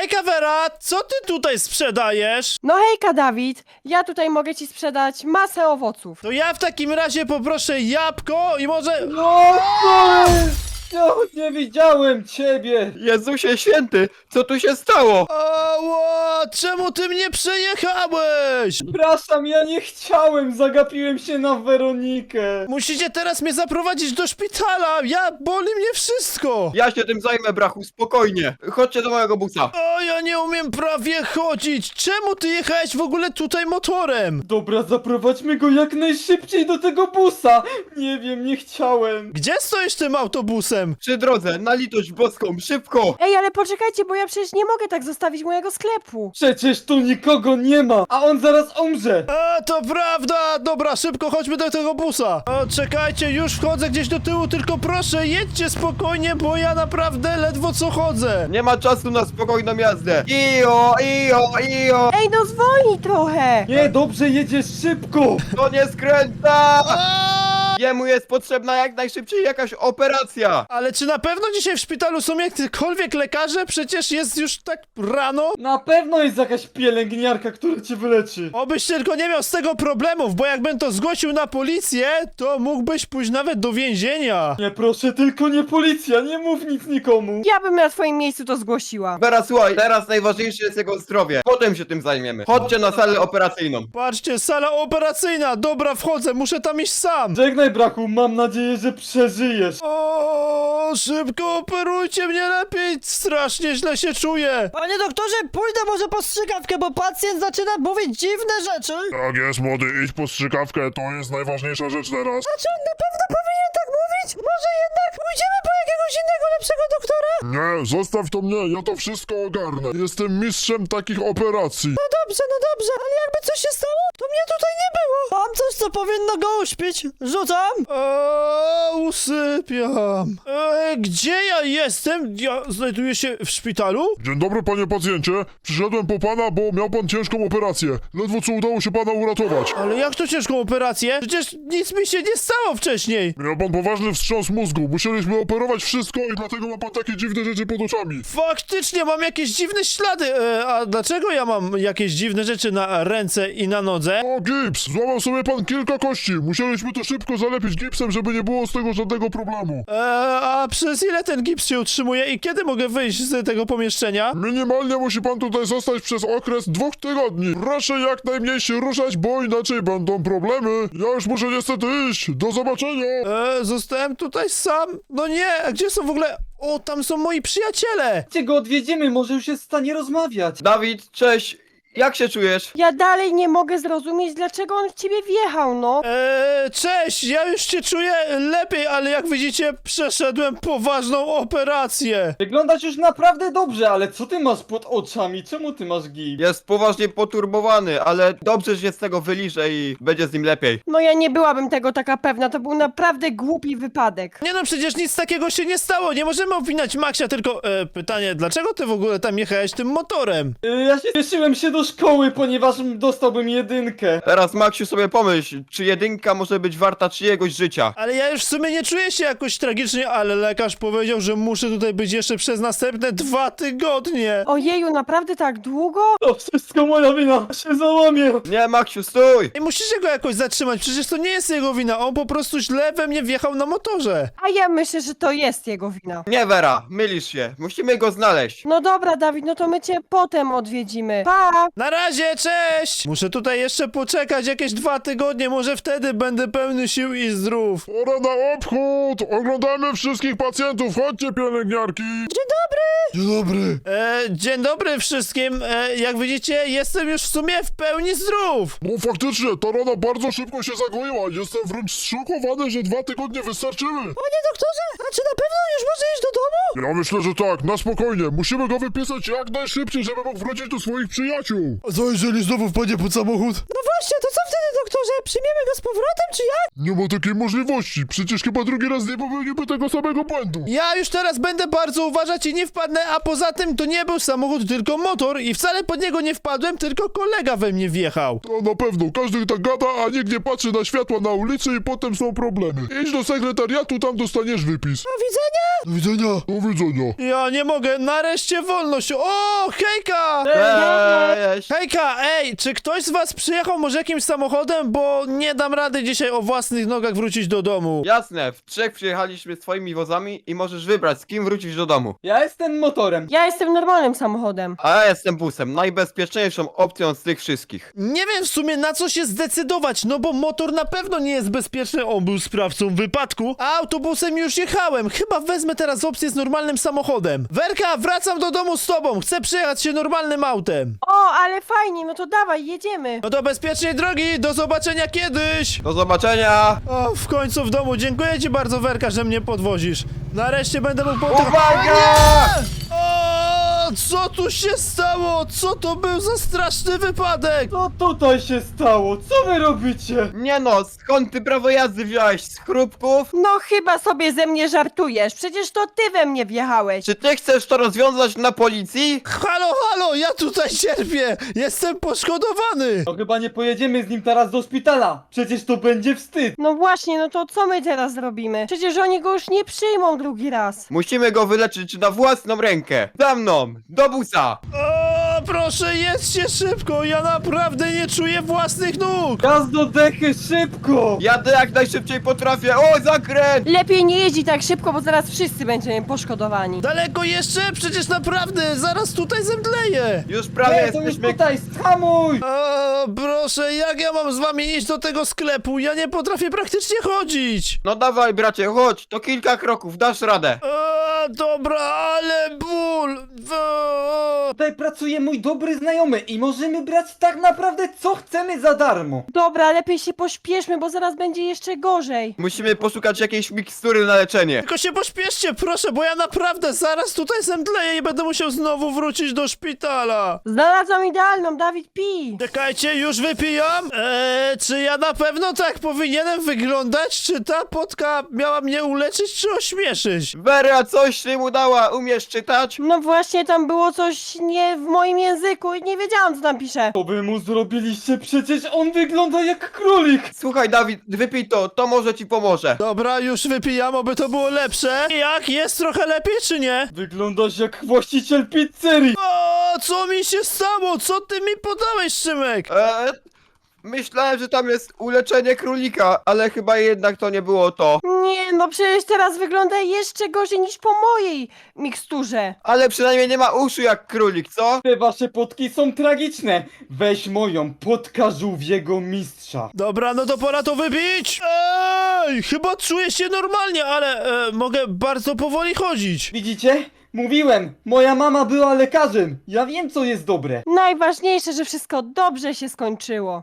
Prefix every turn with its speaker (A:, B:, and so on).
A: Hejka Vera, co ty tutaj sprzedajesz?
B: No hejka, Dawid. Ja tutaj mogę ci sprzedać masę owoców.
A: To ja w takim razie poproszę jabłko i może...
C: No, ja nie widziałem ciebie!
D: Jezusie święty, co tu się stało?
A: Ała, czemu ty mnie przejechałeś?
C: Przepraszam, ja nie chciałem, zagapiłem się na Weronikę.
A: Musicie teraz mnie zaprowadzić do szpitala, boli mnie wszystko.
D: Ja się tym zajmę, brachu, spokojnie. Chodźcie do mojego busa.
A: O, ja nie umiem prawie chodzić. Czemu ty jechałeś w ogóle tutaj motorem?
C: Dobra, zaprowadźmy go jak najszybciej do tego busa. Nie wiem, nie chciałem.
A: Gdzie stoisz tym autobusem?
D: Przy drodze, na litość boską, szybko!
B: Ej, ale poczekajcie, bo ja przecież nie mogę tak zostawić mojego sklepu.
C: Przecież tu nikogo nie ma, a on zaraz umrze.
A: A, to prawda! Dobra, szybko chodźmy do tego busa. O, czekajcie, już wchodzę gdzieś do tyłu, tylko proszę, jedźcie spokojnie, bo ja naprawdę ledwo co chodzę.
D: Nie ma czasu na spokojną jazdę. Ijo, ijo, ijo!
B: Ej, no zwolnij trochę.
C: Nie, dobrze, jedziesz szybko.
D: To nie skręca!
A: A!
D: Jemu jest potrzebna jak najszybciej jakaś operacja.
A: Ale czy na pewno dzisiaj w szpitalu są jakiekolwiek lekarze? Przecież jest już tak rano.
C: Na pewno jest jakaś pielęgniarka, która cię wyleczy.
A: Obyś tylko nie miał z tego problemów, bo jakbym to zgłosił na policję, to mógłbyś pójść nawet do więzienia.
C: Nie, proszę, tylko nie policja, nie mów nic nikomu.
B: Ja bym na twoim miejscu to zgłosiła.
D: Vera, słuchaj, teraz najważniejsze jest jego zdrowie. Potem się tym zajmiemy. Chodźcie na salę operacyjną.
A: Patrzcie, sala operacyjna. Dobra, wchodzę, muszę tam iść sam.
C: Żegnaj, brachu, mam nadzieję, że przeżyjesz.
A: O, szybko operujcie mnie lepiej. Strasznie źle się czuję.
E: Panie doktorze, pójdę może po strzykawkę, bo pacjent zaczyna mówić dziwne rzeczy.
F: Tak jest, młody, idź po strzykawkę, to jest najważniejsza rzecz teraz.
E: A czy on na pewno powinien tak mówić? Może jednak pójdziemy po jakiegoś innego, lepszego doktora?
F: Nie, zostaw to mnie, ja to wszystko ogarnę. Jestem mistrzem takich operacji.
E: No dobrze, ale jakby coś się stało, to mnie tutaj nie było. Mam coś, co powinno go uśpić. Rzucam.
A: Usypiam. Gdzie ja jestem? Ja znajduję się w szpitalu?
F: Dzień dobry, panie pacjencie. Przyszedłem po pana, bo miał pan ciężką operację. Ledwo co udało się pana uratować.
A: Ale jak to ciężką operację? Przecież nic mi się nie stało wcześniej.
F: Miał pan poważny wstrząs mózgu. Musieliśmy operować wszystko i dlatego ma pan takie dziwne rzeczy pod oczami.
A: Faktycznie mam jakieś dziwne ślady. A dlaczego ja mam jakieś dziwne rzeczy na ręce i na nodze?
F: O, gips! Złamał sobie pan kilka kości. Musieliśmy to szybko zalepić gipsem, żeby nie było z tego żadnego problemu.
A: A przez ile ten gips się utrzymuje i kiedy mogę wyjść z tego pomieszczenia?
F: Minimalnie musi pan tutaj zostać przez okres 2 tygodni. Proszę jak najmniej się ruszać, bo inaczej będą problemy. Ja już muszę niestety iść. Do zobaczenia.
A: Zostałem tutaj sam. No nie, a gdzie są w ogóle... O, tam są moi przyjaciele.
C: Gdzie go odwiedzimy, może już jest w stanie rozmawiać.
D: Dawid, cześć. Jak się czujesz?
B: Ja dalej nie mogę zrozumieć, dlaczego on w ciebie wjechał, no.
A: Cześć, ja już się czuję lepiej, ale jak widzicie, przeszedłem poważną operację.
C: Wyglądasz już naprawdę dobrze, ale co ty masz pod oczami? Czemu ty masz gips?
D: Jest poważnie poturbowany, ale dobrze się z tego wyliże i będzie z nim lepiej.
B: No ja nie byłabym tego taka pewna, to był naprawdę głupi wypadek.
A: Nie no, przecież nic takiego się nie stało, nie możemy obwiniać Maxia, tylko pytanie, dlaczego ty w ogóle tam jechałeś tym motorem?
C: Ja się cieszyłem się do szkoły, ponieważ dostałbym 1.
D: Teraz, Maksiu, sobie pomyśl, czy jedynka może być warta czyjegoś życia?
A: Ale ja już w sumie nie czuję się jakoś tragicznie, ale lekarz powiedział, że muszę tutaj być jeszcze przez następne 2 tygodnie.
B: Ojeju, naprawdę tak długo?
C: To wszystko moja wina, się załamię.
D: Nie, Maksiu, stój!
A: I musicie go jakoś zatrzymać, przecież to nie jest jego wina, on po prostu źle we mnie wjechał na motorze.
B: A ja myślę, że to jest jego wina.
D: Nie, Vera, mylisz się. Musimy go znaleźć.
B: No dobra, Dawid, no to my cię potem odwiedzimy. Pa!
A: Na razie, cześć! Muszę tutaj jeszcze poczekać jakieś 2 tygodnie, może wtedy będę pełny sił i zdrów.
F: Pora na obchód. Oglądamy wszystkich pacjentów. Chodźcie, pielęgniarki. Dzień dobry.
A: Dzień dobry wszystkim. Jak widzicie, jestem już w sumie w pełni zdrów.
F: No faktycznie, ta rana bardzo szybko się zagoiła. Jestem wręcz zszokowany, że 2 tygodnie wystarczyły.
E: Panie doktorze, a czy na pewno już może iść do domu?
F: Ja myślę, że tak, na spokojnie. Musimy go wypisać jak najszybciej, żeby mógł wrócić do swoich przyjaciół. pokoju.
A: A co jeżeli znowu wpadnie pod samochód?
E: No właśnie, to co wtedy, doktorze? Przyjmiemy go z powrotem, czy jak?
F: Nie ma takiej możliwości. Przecież chyba drugi raz nie popełnimy tego samego błędu.
A: Ja już teraz będę bardzo uważać i nie wpadnę, a poza tym to nie był samochód, tylko motor i wcale pod niego nie wpadłem, tylko kolega we mnie wjechał.
F: To na pewno. Każdy tak gada, a nikt nie patrzy na światła na ulicy i potem są problemy. Idź do sekretariatu, tam dostaniesz wypis.
E: Do widzenia!
A: Do widzenia.
F: Do widzenia.
A: Ja nie mogę, nareszcie wolność. O, hejka!
D: Cześć!
A: Hejka, ej, czy ktoś z was przyjechał może jakimś samochodem, bo nie dam rady dzisiaj o własnych nogach wrócić do domu.
D: Jasne, w trzech przyjechaliśmy swoimi wozami i możesz wybrać, z kim wrócisz do domu.
C: Ja jestem motorem.
B: Ja jestem normalnym samochodem.
D: A ja jestem busem, najbezpieczniejszą opcją z tych wszystkich.
A: Nie wiem w sumie na co się zdecydować, no bo motor na pewno nie jest bezpieczny, on był sprawcą wypadku, a autobusem już jechałem. Chyba wezmę teraz opcję z normalnym samochodem. Werka, wracam do domu z tobą, chcę przejechać się normalnym autem.
B: O, ale fajnie, no to dawaj, jedziemy.
A: No to bezpiecznej drogi, do zobaczenia kiedyś.
D: Do zobaczenia!
A: O, w końcu w domu, dziękuję ci bardzo Werka, że mnie podwozisz. Nareszcie będę mógł
D: Uwaga!
A: O, co tu się stało? Co to był za straszny wypadek?
C: Co tutaj się stało? Co wy robicie?
D: Nie no, skąd ty prawo jazdy wziąłeś? Z chrupków?
B: No chyba sobie ze mnie żartujesz, przecież to ty we mnie wjechałeś.
D: Czy ty chcesz to rozwiązać na policji?
A: Halo, halo, ja tutaj cierpię! Jestem poszkodowany!
C: No chyba nie pojedziemy z nim teraz do szpitala. Przecież to będzie wstyd.
B: No właśnie, no to co my teraz zrobimy? Przecież oni go już nie przyjmą drugi raz.
D: Musimy go wyleczyć na własną rękę. Za mną, do busa!
A: O, proszę, jedźcie szybko! Ja naprawdę nie czuję własnych nóg!
C: Gaz do dechy, szybko!
D: Jadę jak najszybciej potrafię. O, zakręt!
B: Lepiej nie jeździ tak szybko, bo zaraz wszyscy będziemy poszkodowani.
A: Daleko jeszcze? Przecież naprawdę, zaraz tutaj zemdleję!
D: Już prawie
C: Nie, to już
D: jesteśmy...
C: tutaj, schamuj!
A: O, proszę, jak ja mam z wami iść do tego sklepu? Ja nie potrafię praktycznie chodzić!
D: No dawaj bracie, chodź, to kilka kroków, dasz radę.
A: O, dobra, ale ból! O.
C: Tutaj pracuje mój dobry znajomy i możemy brać tak naprawdę co chcemy za darmo.
B: Dobra, lepiej się pośpieszmy, bo zaraz będzie jeszcze gorzej.
D: Musimy poszukać jakiejś mikstury na leczenie.
A: Tylko się pośpieszcie, proszę, bo ja naprawdę zaraz tutaj zemdleję i będę musiał znowu wrócić do szpitala.
B: Znalazłam idealną, Dawid, pij.
A: Czekajcie, już wypijam? Czy ja na pewno tak powinienem wyglądać? Czy ta potka miała mnie uleczyć, czy ośmieszyć?
D: Wera, coś ty mu dała, umiesz czytać?
B: No właśnie, tam było coś nie w moim języku i nie wiedziałam, co tam pisze.
C: To wy mu zrobiliście, przecież on wygląda jak królik.
D: Słuchaj Dawid, wypij to może ci pomoże.
A: Dobra, już wypijam, oby to było lepsze. Jak? Jest trochę lepiej, czy nie?
C: Wyglądasz jak właściciel pizzerii.
A: O, co mi się stało? Co ty mi podałeś, Szymek?
D: Myślałem, że tam jest uleczenie królika, ale chyba jednak to nie było to.
B: Nie, no przecież teraz wygląda jeszcze gorzej niż po mojej miksturze.
D: Ale przynajmniej nie ma uszu jak królik, co?
C: Te wasze potki są tragiczne. Weź moją, potka żółwiego mistrza.
A: Dobra, no to pora to wypić. Ej, chyba czuję się normalnie, ale mogę bardzo powoli chodzić.
C: Widzicie? Mówiłem, moja mama była lekarzem. Ja wiem co jest dobre.
B: Najważniejsze, że wszystko dobrze się skończyło.